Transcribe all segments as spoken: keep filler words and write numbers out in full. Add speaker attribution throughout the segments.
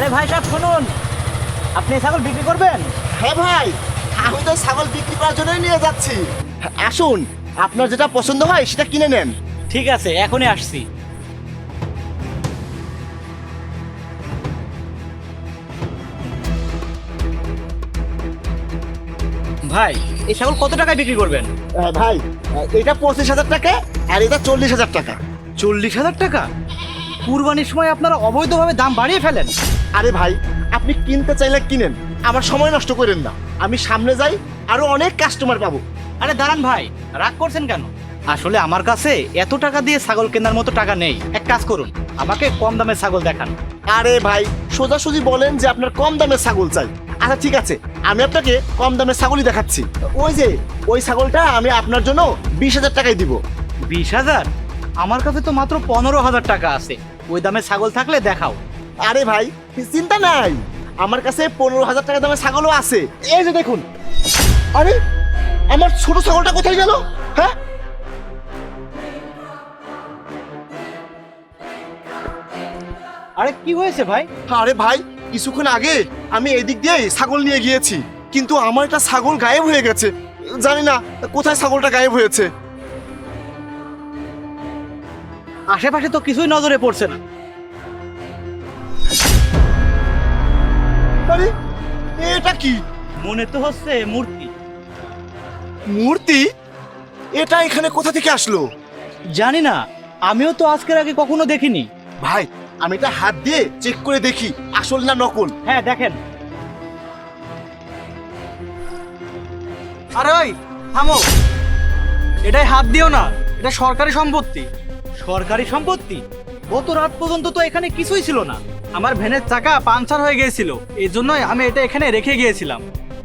Speaker 1: ভাই সাহেব শুনুন, আপনি এই ছাগল বিক্রি করবেন?
Speaker 2: হ্যাঁ ভাই, আমি তো ছাগল বিক্রি করার জন্যই নিয়ে যাচ্ছি। আসুন, আপনার যেটা পছন্দ হয় সেটা কিনে নেন।
Speaker 1: ঠিক আছে, এখনই আসছি। ভাই এই ছাগল কত টাকায় বিক্রি করবেন?
Speaker 2: আহ, ভাই আহ, এটা পঁচিশ হাজার টাকা আর এটা চল্লিশ হাজার টাকা।
Speaker 1: চল্লিশ হাজার টাকা? কুরবানির সময় আপনারা অবৈধভাবে দাম বাড়িয়ে ফেলেন।
Speaker 2: আরে ভাই, আপনি কিনতে চাইলে কিনেন, আমার সময় নষ্ট করেন না। আমি সামনে যাই, আরো অনেক কাস্টমার পাবো।
Speaker 1: আরে দাঁড়ান ভাই, রাগ করছেন কেন? আসলে আমার কাছে এত টাকা দিয়ে ছাগল কেনার মতো টাকা নেই। এক কাজ করুন, আমাকে কম দামে ছাগল দেখান।
Speaker 2: আরে ভাই, সোজাসুজি বলেন যে আপনার কম দামের ছাগল চাই। আচ্ছা ঠিক আছে, আমি আপনাকে কম দামের ছাগলই দেখাচ্ছি। ওই যে ওই ছাগলটা আমি আপনার জন্য বিশ হাজার টাকায় দিব।
Speaker 1: বিশ হাজার? আমার কাছে তো মাত্র পনেরো হাজার টাকা আছে। ওই দামে ছাগল থাকলে দেখাও।
Speaker 2: আরে ভাই, চিন্তা নাই, আমার কাছে পনেরো হাজার টাকা দামের ছাগলও আছে। এই যে দেখুন। আরে আমার ছোট ছাগলটা কোথায় গেল? হ্যাঁ,
Speaker 1: আরে কি হয়েছে ভাই?
Speaker 2: আরে ভাই, কিছুক্ষণ আগে আমি এদিক দিয়ে ছাগল নিয়ে গিয়েছি, কিন্তু আমার একটা ছাগল গায়েব হয়ে গেছে। জানি না কোথায় ছাগলটা গায়েব হয়েছে।
Speaker 1: আশেপাশে তো কিছুই নজরে পড়ছে না।
Speaker 2: আরে এটা কি?
Speaker 1: মনে তো হচ্ছে মূর্তি।
Speaker 2: মূর্তি? এটা এখানে কোথা থেকে আসলো?
Speaker 1: জানি না, আমিও তো আজকের আগে কখনো দেখিনি।
Speaker 2: ভাই, আমি এটা হাত দিয়ে চেক করে দেখি আসল না নকল।
Speaker 1: হ্যাঁ দেখেন। আরে ওই থামো, এটাই হাত দিও না, এটা সরকারি সম্পত্তি। সরকারি সম্পত্তি? গত রাত পর্যন্ত তো এখানে কিছুই ছিল না। আমার ভ্যানের চাকা পাংচার হয়ে গিয়েছিল, এই জন্যই আমি এটা এখানে রেখে গিয়েছিলাম।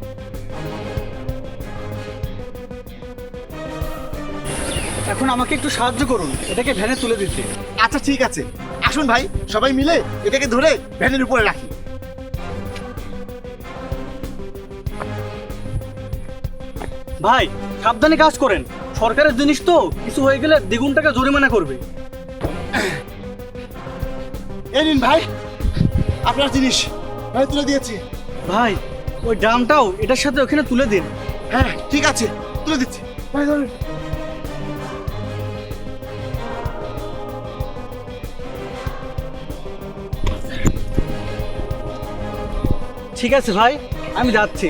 Speaker 1: এখন আমাকে একটু সাহায্য করুন এটাকে ভ্যানে তুলে দিতে।
Speaker 2: আচ্ছা ঠিক আছে, আসুন ভাই, সবাই মিলে এটাকে ধরে ভ্যানের উপরে রাখি।
Speaker 1: ভাই সাবধানে কাজ করেন, সরকারের জিনিস তো, কিছু হয়ে গেলে দ্বিগুণ টাকা জরিমানা করবে।
Speaker 2: এই নিন ভাই, আপনার জিনিস ভাই তুলে দিয়েছি।
Speaker 1: ভাই ওই ড্রামটাও এটার সাথে ওখানে তুলে দিন।
Speaker 2: হ্যাঁ ঠিক আছে, তুলে দিচ্ছি। ভাই ধরুন।
Speaker 1: ঠিক আছে ভাই, আমি যাচ্ছি।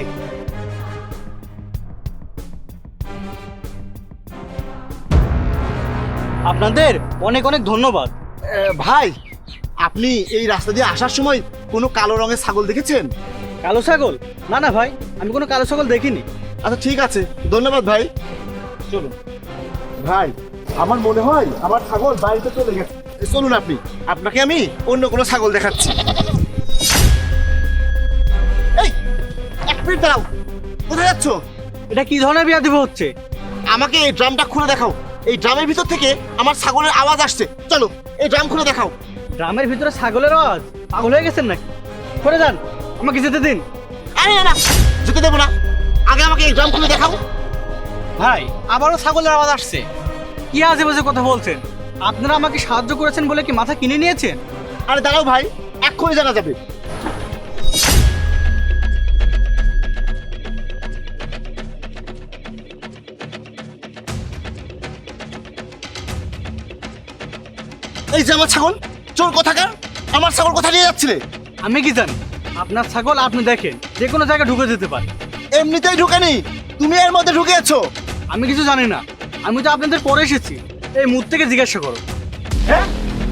Speaker 1: আপনাদের অনেক অনেক ধন্যবাদ।
Speaker 2: আহ, ভাই, আপনি এই রাস্তা দিয়ে আসার সময় কোনো কালো রঙের ছাগল দেখেছেন?
Speaker 1: কালো ছাগল? না না ভাই, আমি কোনো কালো ছাগল দেখিনি।
Speaker 2: আচ্ছা ঠিক আছে, ধন্যবাদ ভাই।
Speaker 1: চলুন।
Speaker 2: ভাই, আমার মনে হয় আমার ছাগল বাড়িতে চলে গেছে। চলুন, আপনি আপনাকে আমি অন্য কোনো ছাগল দেখাচ্ছি। এই এক মিনিট দাঁড়াও, কোথায় যাচ্ছ?
Speaker 1: এটা কি ধরনের বিয়া দিব হচ্ছে?
Speaker 2: আমাকে এই ড্রামটা খুলে দেখাও। এই ড্রামের ভিতর থেকে আমার ছাগলের আওয়াজ আসছে। চলো, এই ড্রাম খুলে দেখাও।
Speaker 1: ড্রামের ভিতরে ছাগলের আওয়াজ? পাগল হয়ে গেছেন নাকি? করে যান, আমাকে যেতে দিন।
Speaker 2: আরে না না, যেতে দেবো না, আগে আমাকে এই ড্রাম খুলে দেখাও।
Speaker 1: ভাই আবারও ছাগলের আওয়াজ আসছে। কি আজে বাজে কথা বলছেন? আপনারা আমাকে সাহায্য করেছেন বলে কি মাথা কিনে নিয়েছেন?
Speaker 2: আরে দাঁড়াও ভাই, এক্ষুনি জানা যাবে। এই যে আমার ছাগল, চোর কোথাকার, আমার ছাগল কোথায় নিয়ে যাচ্ছিলে?
Speaker 1: আমি কি জানি? আপনার ছাগল আপনি দেখেন, যে কোনো জায়গায় ঢুকে যেতে পারে।
Speaker 2: এমনিতেই ঢুকেনি, তুমি এর মধ্যে ঢুকেছো।
Speaker 1: আমি কিছু জানি না, আমি তো আপনাদের পরে এসেছি। এই মুখ থেকে জিজ্ঞাসা করো।
Speaker 2: হ্যাঁ,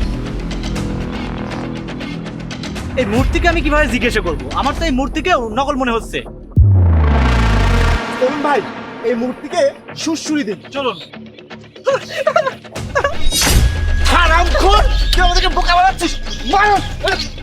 Speaker 1: এই মূর্তিকে আমি কিভাবে জিজ্ঞাসা করবো? আমার তো এই মূর্তিকেও নকল মনে হচ্ছে।
Speaker 2: তরুণ ভাই, এই মূর্তিকে সুরসুরি দিন।
Speaker 1: চলুন।
Speaker 2: হারামখোর, তুই আমাদেরকে বোকা বানাচ্ছিস। মার!